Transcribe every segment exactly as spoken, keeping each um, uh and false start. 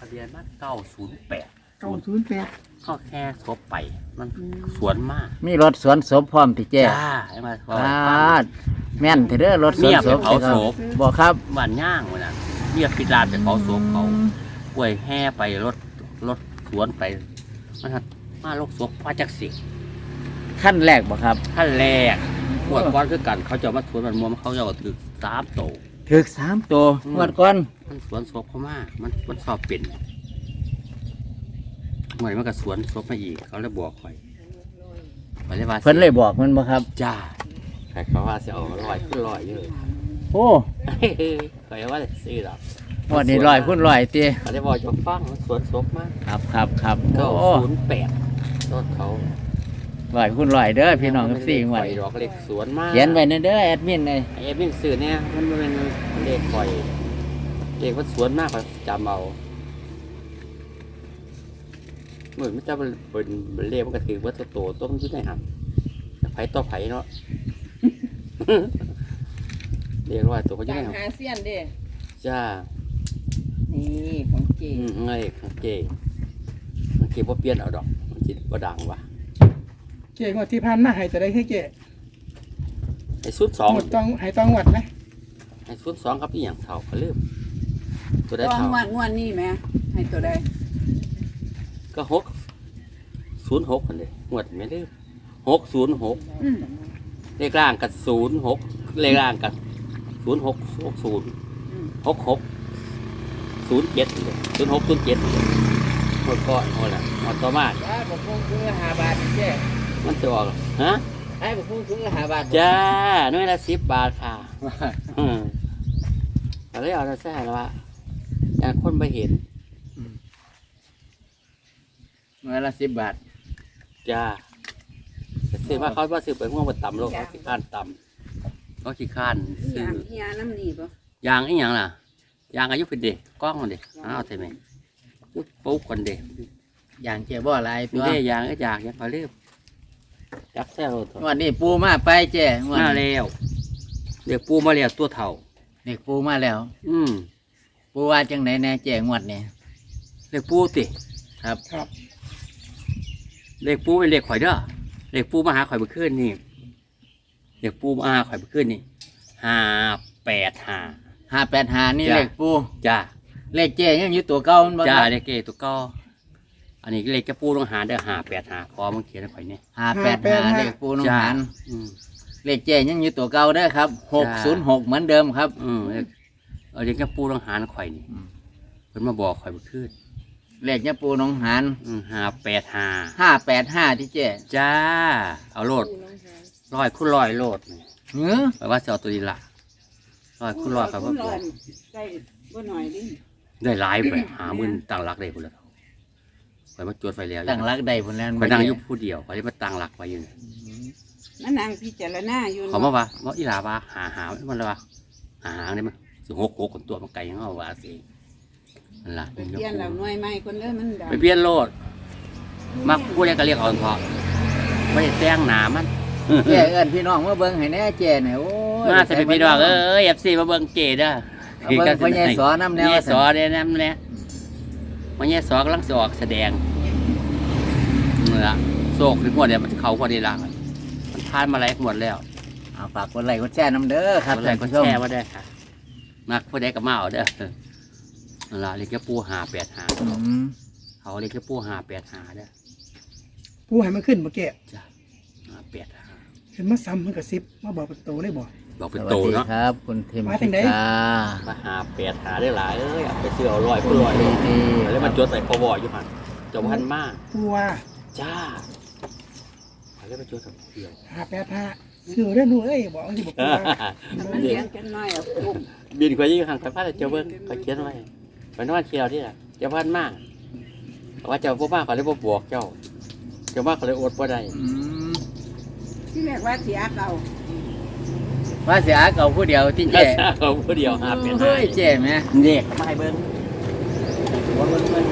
ะเบียนมันเก้าศูนย์แปดเก้าศูนย์แปดเข้าแค่ทบไปมันสวนมากมีรถสวนศพพร้อมที่แจ้จ้าไอ้มาพออ่าแม่นเถอะเด้อรถสวนศพเมียไปเผาศพบอกครับบ้านย่างวันนั้นเรียกพิดลานไปเผาศพเขาป่วยแห่ไปรถรถสวนไปมันหัดมาโรคศพพระจักสิขั้นแรกบอกครับขั้นแรกปวดก้อนคือกันเขาจะมาสวนมันมัวเขาจะเอาถือสามโตถึกสามตัวอืมงวดก่อนมันสวนศพเขามากมันมันสอบเป็นเหมือนมันก็สวนศพมาอีกเขาเลยบอกคอยไปเลยว่าเพิ่นเลยบอกมันบ่ครับจ้าใครเขาว่าจะเอาลอยขึ้นลอยเยอะโอ้ใครว่าจะซื้อหรอกงวันนี้ลอยพุ่นลอยตีเขาเลยบอกจะฟังมันสวนศพมากครับครับครับเก้าโอ้ศูนย์แปดต้นเขาลอยพุ่นลอยเด้อพี่น้องกับสี่งวดดอกเล็กสวนมากเขียนไว้ในเด้อแอดมินเลยไอ้เอฟวิ่งสื่อเนี่ยมันเป็นเลขข่อยเลขมันสวนมากกว่าจำเอาเหมือนมันจะเป็นเป็นเลขมันก็ถือว่าตัวโตต้นที่ไหนครับไผ่ต่อไผ่เนาะ เรียกว่าตัวเขาจะต่าได้งครับหาเสียนเด้จ้านี่ของเจอืมไงของเจมันเก็บว่าเปลี่ยนเอาดอกมันจิตว่าดังวะเจ๊งวดที่ผ่านมาให้จะได้ให้เจ๊ไอ้สุดสองหมดต้องให้ต้องวัดไหมไอ้สุดสองครับอีหยังเท่าเขาลืมตัวได้ต้องเท่างวดงวดนี่แม่ให้ตัวใดก็หกศูนย์หกคนเลยหวดไม่ลืมหกศูนย์หกอืมเลขล่างกับศูนย์หกเลขล่างกับศูนย์หกหกศูนย์อืมหกหกศูนย์เจ็ดเลยศูนย์หกศูนย์เจ็ดหมดก่อนหมดละหมดต่อมาจ้าบอกคงคือห้าบาทเจ้มันจะออกฮะไอ้บอกคงคือห้าบาทจ้าหน่วยละสิบบาทค่ะอืมแต่เลยเอาแต่แซ่แล้วว่าอย่างคนไปเห็นเมื่อละสิบบาทจ้าแต่ซื้อมาเขาว่าซื้อไปง่วงมาต่ำโลกเขาขี้ข้านต่ำเขาขี้ข้านอีหซื้ยัองอีหยังน้ำนี่บ่ยางอีหยังล่ะยางอายุเป็นเด็กกล้องมันเด็กอ้าวใช่ไหมยุบปุ๊บคนเด็กอย่างเจ้บ่อะไรมีตัวได้ยางก็อยากยังเขาเรียบจับแซ่โรถงวันนี้ปูมาไปเจ้งวดมานี้แล้วเรียกปูมาแล้วตัวเท่าเด็กปูมาแล้วอืมปูว่าจังไหนแน่เจ้งวดนี้เรียกปูติครับครับเรียกปูเป็นเรียกข่อยเด้อเรียกปูมาหาข่อยเมื่อคืนนี่เรียกปูมาหาข่อยเมื่อคืนนี่ห้าแปดห้าห้าแปดห้านี่จ้ะเลขปูจ้าเลขเจ้ยังอยู่ตัวเก่ามันบ่จ้าครับเรียกเกตัวก็อันนี้เรียกจะปูต้องหาเด้อห้าแปดห้าคอมันเขียนให้ข่อยเนี่ยห้าแปดห้าเลขปูน้องจ้าหันอืมเลขเจ้ยังอยู่ตัวเก่าเด้อครับหกศูนย์หกเหมือนเดิมครับอืมเรียกเออเรียกจะปูต้องหาข่อยนี่อืมเพิ่นมาบอกข่อยเมื่อคืนเลขเนี่ยปูน้องหันอืมห้าแปดห้าห้าแปดห้าที่เจ้จ้า เอาโลดร้อยคุณร้อยโลดนี่เนื้อแปลว่าจะเอาตัวนี้ละร้อยคุณร้อยครับว่าร้อยใส่บ่หน่อยดิได้หลายไปหาหมื่นต่างหลักได้พุ่นแล้วไปมาจดไฟแล้วตั้งรักได้ผลแล้วไปนั่งอยู่ผู้เดียวไปมาตั้งหลักไว้อยู่นี่มันนั่งพิจารณาอยู่เขามาว่าว่าอีหลาว่าหาหามันเลยว่าหาหางได้มั้ยสิหกหกคนตัวมันไกลยังเอาว่าสินั่นล่ะไปเปลี่ยนแล้วหน่วยใหม่คนเด้อมันดังไปเปลี่ยนโลดมักผู้ใดก็เรียกเอาเพาะไม่ได้แต่งหนามันเจ้เอิ้นพี่น้องมาเบิ่งให้แน่เจ้เนี่ยโอ้ยมาจะเป็นพี่น้องเอ้ยเอฟซีมาเบิ่งเกดอ่ะเอาเบิ่งพ่อใหญ่สอน้ำแนวแย่สอเด้น้ำแน่มาแย่สอกำลังจะออกแสดงนี่ละโศกถึงหมดเนี่ยมันเขาพอดีละมันทานมาแล้วหมดแล้วเอาฝากกดไลค์กดแชร์น้ำเด้อครับอะไรท่านก็ผู้ชมแช่มาได้ค่ะมักผู้ใดก็มาเอาเด้อนั่นละเรียกแค่ปูหาแปดหาอืมเขาเรียกแค่ปูหาแปดหาเด้อผู้ให้มันขึ้นมาแก่จ้ะหาแปดหาเห็นมาซ้ำมันกับซิบมาบอกเป็นโตเลยบอกบอกเป็นสวัสโตดีเนาะครับ คุณเทมมาถึงไหนพิกามาหาแปดหาได้หลายเอ้ยเอาไปซื้อเอาลอยคุผู้ณลอยดีดีแล้วมันจดใส่พวอยู่หันจมพันมากผู้ว่าจ้าแล้วมันจดใส่เดียวห้าแปดห้าเสือได้หนูเอ้ยบอกที่บอกผู้ว่ามันเลี้ยงกันน้อยอ่ะปุ๊บบินไปยี่งห่างไปพาดเจ้าเบิ้งเขาเขียนไว้ไปนอนเที่ยวที่ละเจ้าพันมากว่าเจ้าพ่อมากเขาเลยบ่บวกเจ้าเจ้ามากเขาเลยอดบ่ได้อืมที่แรกว่าเสียเก่าว่าเสียเก่าผู้เดียวที่แค่เจ้เขาผู้เดียวหาเป็นเฮ้ยเจ้ไหมเด็กมาให้เบิ้งว่าเบิ้งเบิ้ง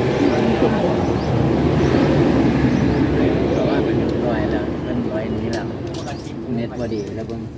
ว่าเป็นร้อยแล้วเป็นร้อยนี้แล้วเน็ตบอดีแล้วเบิ่ง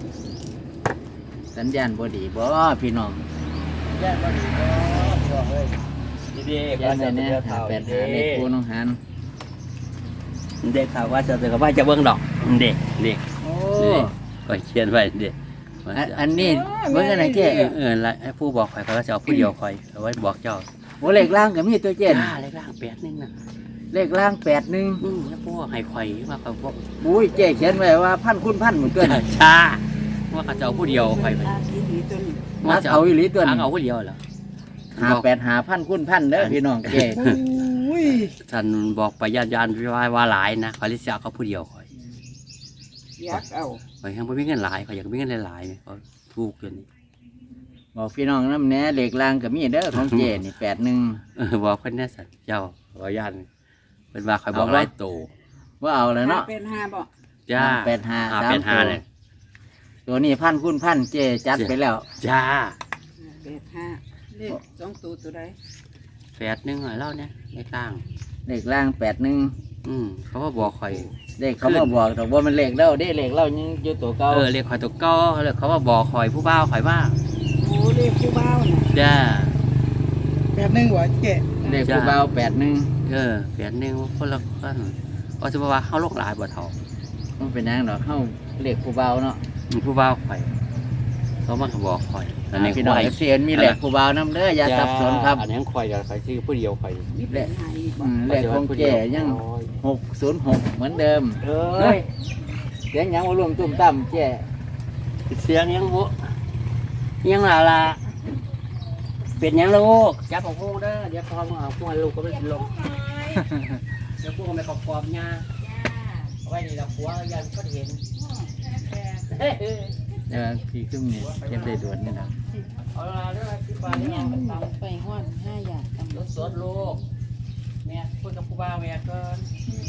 สัญญาณบอดีบ่พี่น้องแยกมาดีเนาะบอกเลยเอดีดีเขียนไว้เนี่ยหาแปดหาเลขปูน้องหันเด็กถามว่าจะเด็กว่าจะเบิ่งดอกเด็กเด็กโอ้ก็เขียนไว้เด็กอันอันนี้เบิ่งอะไรเจ๊เออเออแล้วให้ผู้บอกข่อยเขาก็จะเอาผู้เดียวข่อยเอาไว้บอกเจ้าโอ้เลขล่างก็มีตัวเจ๊จ้าเลขล่างแปดนึงน่ะเลขล่างแปดหนึ่งอืมแล้วผู้ให้ข่อยว่าเขาบอกบุ้ยเจ๊เขียนไว้ว่าพันคุณพันเหมือนกันชาว่าเขาจะเอาผู้เดียวข่อยไปอาทีนี้ตัวนี้มาเอาอีหลีตัวทานี้งเอาผู้เดียวเหรอหาแปดหาพันคุณพันเด้อพี่น้องเจ๊โอ้ยท่านบอกไปญาติญาติว่าว่าหลายนะข่อยเลยสิเอาเขาผู้เดียวข่อยเสียเอาข่อยยังบ่มีเงินหลายข่อยอยากมีเงินหลายๆเนี่ยเขาถูกเกินนี่บอกพี่น้องน้ำแหน่เลขล่างก็มีเด้อของเจ๊นี่แปดหนึ่งเออบอกเพิ่นแน่สัตว์เจ้าว่าญาติเพิ่นว่าข่อยบอกหลายโตว่าเอาแล้วห้าเนาะเป็นห้าบ่จ้าแปดห้าห้าสามแปดห้าตัวเลยตัวนี้พันคุณพันเจ๊จัดไปแล้วจ้าเป็นห้าเลขสองตัวตัวใดแปดหนึงหน่อยเล่าเนี่ยในกลางเลขล่างแปดหนึ่งอืมเขาว่าบอกข่อยเลขเขามาบอกแต่ว่ามันเลขเล่าเด้เลขเล่ายังอยู่ตัวเก่าเออเรียกข่อยตัวเก้าเขาเลยเขาว่าบอกข่อยผู้บ่าวข่อยว่าโอ้เลขผู้บ่าวน่ะจ้าแปดหนึ่งว่ะเจ๊เลขผู้เบาแปดหนึ่งเออแปดหนึงคนละคนว่าจะว่าเขาโลกหลายบ่เท่ามันเป็นยังดอกเข้าเลขผู้เบาเนาะอืมผู้บ่าวข่อยเขามาบอกข่อยอันนี้พี่น้องข่อยเอฟซีมีเลขผู้เบาน้ำเด้ออย่าสับสนครับอันนี้ข่อยอย่าข่อยชื่อผู้เดียวข่อยมีเป็นห้าอีกบ่อืมเลขของเจ๊ยังหกศูนย์หกเหมือนเดิมเอเฮ้้ยยเสียงยังว่ารวมตุ้มตั้มเจ๊เสียงยังบุยังล่ะล่ะเป็นยังลูกจับของพวกเด้อเดี๋ยวพอมาเอาพวกลูกก็ไม่ลงเดี๋ยวพวกมันไปขอบขอบยาเอาไว้นี่เราผัวยันก็เห็นเออพี่ขึ้นเนี่ยเก็บได้ด่วนนี่นะเอาละเด้อที่บ้านเนี่เนี่ย ยมันเอาไปห้อนห้าอย่างตำรถสดลูกแม่พูดกับผู้บ่าวแม่ก่อน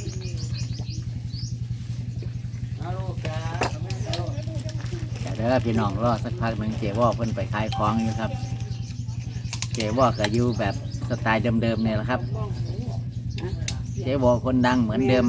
เอาลูกจ้าเอาแม่เอาลูกเดี๋ยวพี่น้องรอสักพักหนึ่งเจ๊ว่าเพิ่นไปขายของอยู่ครับ เจ๊ว่าก็อยู่แบบสไตล์เดิมๆเนี่ยแหละครับ เจ๊ว่าคนดังเหมือนเดิม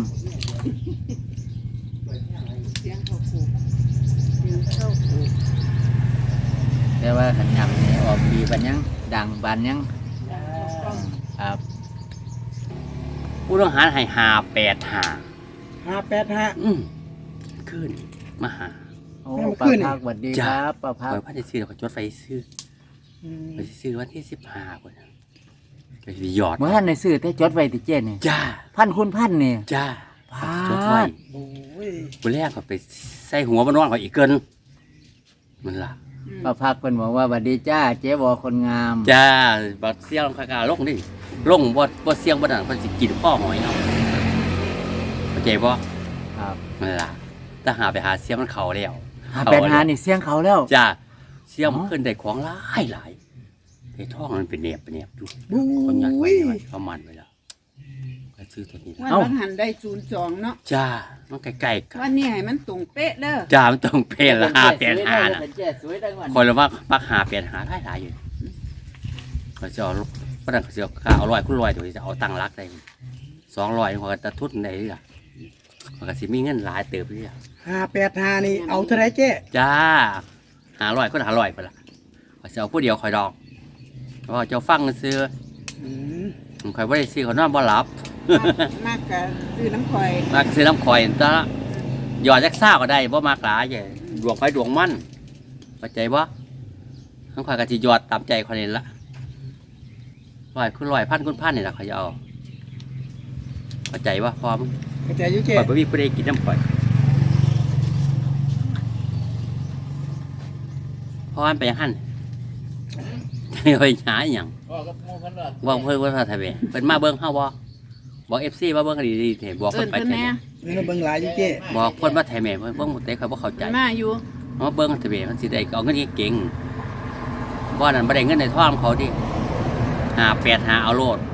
เสียงเขาผูกเสียงเข้าผูกแต่ว่าขันยำนี่ออกดีบันยังดังบันยังครับผู้ต้องหาให้หาแปดหาห้าแปดห้าอืมขึ้นมาหาโอ้แม่มันป้าขึ้นนี่พักสวัสดีครับป้าพักคอยพันจะซื้อเราก็จดไฟซื้ออืมไปซื้อวันที่สิบห้าคนนะไปหยอดเมื่อท่านในซื้อแต่จดไว้ติเจนี่จ้าพันคุณพันนี่จ้าพาจดไว้โอ้ยวันแรกก็ไปใส่หัวมันนอนเขาอีกเกินมันล่ะป้าพักเพิ่นบอกว่าสวัสดีจ้า เจ๊วอคนงามจ้าบัดเสียงคากาลงนี่ลงบ่บ่เสียงบ่ดังเพิ่นสิกินข้อหอยเนาะเข้าใจบ่ครับมันล่ะถ้าหาไปหาเสียงมันเข้าแล้วหาแปดหานี่เสียงเขาแล้วจ้าเสียงอ๋อเพิ่นได้ของหลายหลายไอ้ท้องมันเป็นแหนบเป็นแหนบอยู่บูคนยัดไว้้ยไว้เขามันไว้แล้วก็ซื้อตัวนี้วันวันหันได้ศูนย์สองเนาะจ้ามันใกล้ๆกันวันนี้ให้มันตรงเป๊ะเด้อจ้ามันต้องเป็นละห้าแปดห้าน่ะเป็นเจ๊สวยได้ก่อนคนละว่ามักหาแปดหาหลายหลายอยู่เขาจะเอาประดันเขาจะเอาเอาร้อยคุณร้อยตัวจะเอาตังค์รักได้สองร้อยเขาก็จะทุนได้ล่ะมันก็สิมีเงินหลายเติบเลยอ่ะห้าแปดห้านี่เอาเท่าไรเจ๊จ้าหาร้อยคนหาร้อยไปละเขาจะเอาผู้เดียวคอยดอกเพราะว่าเจ้าฟังซื้ออืมคอยว่าได้ซื้อเขานอนบ่หลับมากกับซื้อน้ำข่อยมากซื้อน้ำคอยตะหยอดจักซ่าก็ได้บ่มากหลายใหญ่ดวงไฟดวงมันเข้าใจบ่น้ำคอยก็สิหยอดตามใจคนนี้ละร้อยคุณร้อยพันคุณพันนี่แหละเขาจะเอาเข้าใจบ่พอมึงเข้าใจอยุ่เจ๊ข่อยบ่มีผู้ใดกินน้ำข่อยเพราะมันไปหั่นไปหาอหย่างบอกกับหมู่เพิ่นว่าบอกเพิ่นว่าถ้าเบิ่งเพิ่นมาเบิ่งเฮาบ่บอก เอฟ ซี มาเบิ่งให้ดีๆเถอะบอกเอิเพิ่นนไปเพิ่นเถแน่อะเงินเบิ่งหลายอยู่เจ๊บอกเพิ่นว่าไทยแม่เพิ่นเบิ่งบ่ได้เขาบ่เข้าใจมันมาอยู่เอามาเบิ่งเถอะเว้ยมันสิได้เอาเงินเก่งๆบ่นั่นบ่ได้เงินในท้องเขาดิห้าแปดห้าเอาโลด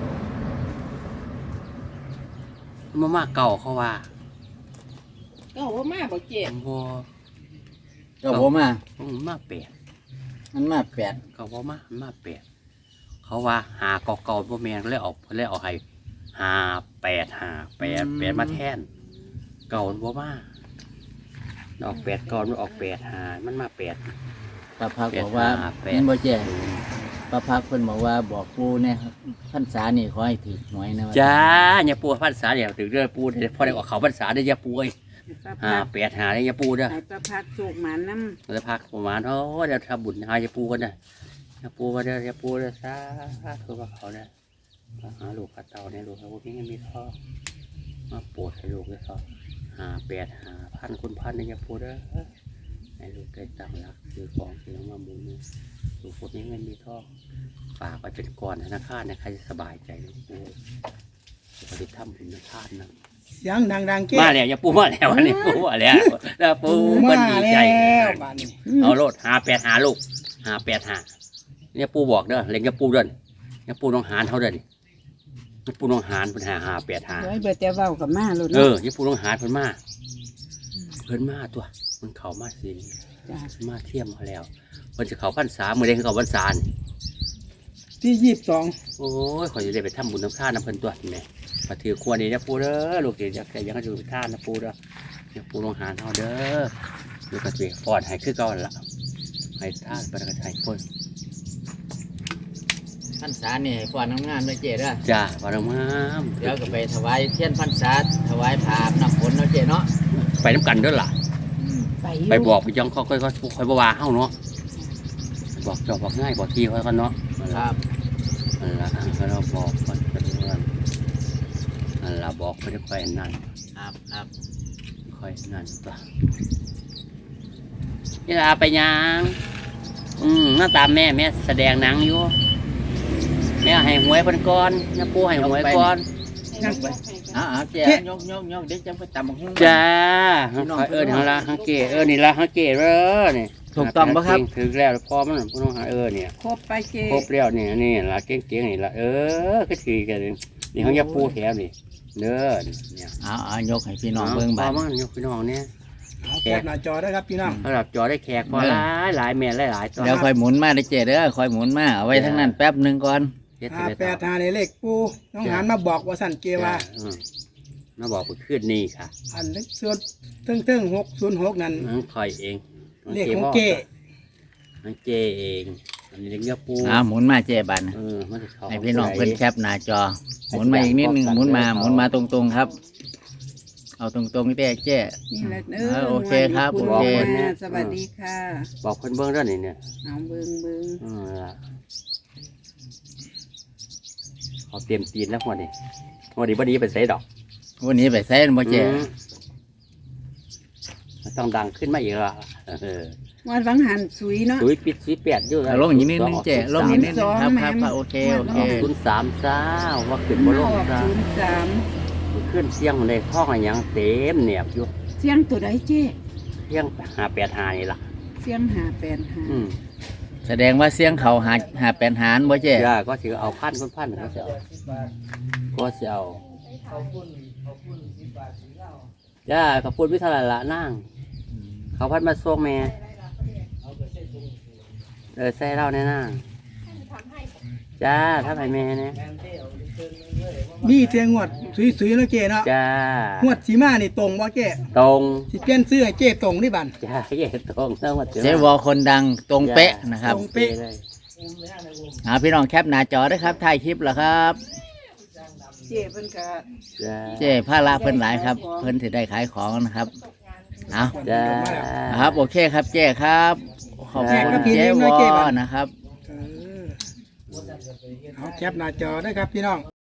มันมาเก่าเขาว่าก็ว่ามาบ่เจ็บบ่ก็ผมอ่ะมันมาแปดมันมาแปดเขาบ่มามันมาแปดเขาว่าหาเก่าๆบ่แม่นเลยออกเลยเอาให้ห้าแปดห้าแปดแปดมาแทนเก่ามันบ่มาออกแปดก่อนมันออกแปดห้ามันมาแปดป้าพักบอกว่าแปดห้าแปดเห็นบ่เจ๊ประพักเพิ่นบอกว่าบอกปูเนี่ยครับพรรษานี่ขอให้ถือหวยนะว่าจ้าอย่าปูพรรษาเดี๋ยวถึงเด้อปูพอได้ออกเขาพรรษาได้อย่าปูเอ้ยให้ป้าหาพัดแปดหาได้อย่าปูเด้อให้ป้าพัดโศกหมาน้ำจะพักประมาณโอ้เดี๋ยวทำบุญหาอย่าปูกันนะอย่าปูมาเด้ออย่าปูเด้อซาคือว่าเขาเนี่ยมาหาลูกกับเต่าเนี่ยลูกเขาพวกนี้มีท่อมาโปรดให้ลูกเลยท่อหาแปดหาพันคุณพันเนี่ยอย่าปูเด้อให้ลูกได้ตังค์รักซื้อของซื้อมาบุญเนี่ยลูกพวกนี้เงินมีท่อฝากไปเป็นก้อนธนาคารนะใครจะสบายใจลูกปูจะไปทำบุญธนาคารนะเสียงดังๆเจ๊มาแล้วอย่าปูมาแล้วอันนี้ปูมาแล้วแล้วปูมามันดีใจแล้วบ้านนี้เอาโลดหาแปดหาลูกหาแปดหาเนี่ยปูบอกเด้อเล็งจะปูเดินเนี่ยปูน้องหานเขาเดินเนี่ยปูน้องหานเป็นหาหาแปดหาเดี๋ยวให้เบิดแต่เว้ากับมาโลดเอเนาะอเนี่ยปูน้องหานเพิ่นมาเพิ่นมาตัวมันเข่ามาสิจ้ะมาเทียมมาแล้วเพิ่นจะเข่าพรรษาเมื่อใดคือเข่าพรรษานี่ที่ยี่สิบสองโอ้ยขอยจะได้ไปทำบุญน้ำท่านน้ำเพิ่นตัวนี่แหม่มาถือควรนี่นะปูเด้อลูกเดี๋ยวจะยังจะไปท่านนะปูเด้อเนี่ยปูน้องหานเขาเด้อลูกกระเจียฟอดให้คือเก่าหั่นล่ะให้ท่านไปกระชายพ่นพรรษานี่ก่อนทำงานไปเจ๊เด้อจ้าวันงามเดี๋ยวก็ไปถวายเทียนพรรษาถวายผ้าอาบน้ำฝนเนาะเจ๊เนาะไปน้ำกันเด้วยล่ะอืมไปอยู่ไปบอกไปยังเขาค่อยๆค่อยๆบ่ว่าเฮาเนาะบอกจอบบอกง่ายบอกที่ค่อยกันเนาะนั่นคล่ะรับนั่นล่ะให้เราบอกก่อนเป็นเรื่องนั่นล่ะบอกไปค่อยๆนั่นครับครับค่อยนั่นตัวนี่ล่ะไปยังอืมหน้าตามแม่แม่แสดงหนังอยู่แม่ให้หวยเพิ่นก่อนน้าปู่ให้หวยก่อนยังไปเอาเอาเจ๊ยกยกยกเดี๋ยวจะไปตำบักหุ่งจ้าค่อยเอิ้นเฮาละฮังเกเออนี่ละฮังเกเด้อนี่ถูกต้องปะครับถึงแล้วพอมันบ่ต้องหาเออเนี่ยครบไปเจครบแล้วนี่นี่ละเก่งๆนี่ละเออก็ถือกันนี่นี่เขาจะปูแถวนี่เด้อเนี่ยเอาเอายกให้พี่น้องเบิ่งบ้าบาดมันยกพี่น้องเนี่ยเอาแคปหน้าจอได้ครับพี่น้องสำหรับจอได้แขกพอหลายหลายแม่หลายหลายตัวเดี๋ยวค่อยหมุนมาได้เจ๊เด้อค่อยหมุนมาเอาไว้ทั้งนั้นแป๊บหนึงก่อนเฮ็ดห้าให้แปดห้าในเลขปูน้องหันมาบอกว่าสั่นเกว่าอืมมาบอกไปขึ้นนี่ค่ะอันเลขส่วนเทิงเทิงหกศูนย์หกนั่นน้องคอยเองเลขของเกน้องเจเองอันนี้เลี้ยงปูอ่าหมุนมาเจ๊บัดเออมันจะเข้าให้พี่น้องเพิ่นแคปหน้าจอ หมุนมาอีกนิดนึงหมุนมาหมุนมาตรงๆครับ เอาตรงๆเจ๊เจ๊นี่แหละเอเอออโอเคครับณโอเคค่ะสวัสดีค่ะบอกเพิ่นเบิ่งเด้อนี่เนี่ยเอาเบิ่งเบิ่งเออล่ะเขาเตรียมตีนแล้วหัวนี่หัวนี้บ่ดีไปใส่ดอกวันนี้ไปใส่บ่เจ๊อืมมันต้องดังขึ้นมาอีกและเออวันวังหันสุยเนาะสุยปิดสีแปดอยู่เอาลงอีกนิดนึงเจ๊ลงอีกนิดนึงครับครับครับโอเคโอเคศูนย์สามจ้าว่าขึ้นอบ่ลงอกจ้าศูนย์สามขึ้นเสียงในท้องอะไรยังเต็มเหนียบอยู่เสียงตัวใดเจ๊เสียงหาแปดหานี่ล่ะเสียงหาแปดหาอืมแสดงว่าเสียงเขาหาหาแปนหารบ่เจ๊ย่าก็ถือเอาพันคนพันก็จะเอาก็จะเอาย่าขอบคุณพิธาละนั่งเขาพันมาส่งแม่เออใส่เหล้าแน่นั่งจ้าถ้าไปแม่เนี่ยมีเทียงงวดสุยๆเนาะเกเนาะจ้างวดสีมานี่ตรงบ่เกตรงสิเปลี่ยนซื้อให้เกตรงนี่บันจ้าเย่ตรงต้องมาเจ๊วอคนดังตรงเป๊ะนะครับตรงเป๊ะเลยอ่าพี่น้องแคปหน้าจอด้วยครับถ่ายคลิปแล้วครับเจ๊เพิ่นก็จ้าเจ๊ผ้าละเพิ่นหลายครับ เพิ่นสิได้ขายของนะครับเอาจ้าครับโอเคครับเจ๊ครับขอบคุณเจ๊วอนะครับเออเอาแคปหน้าจอได้ครับพี่น้อง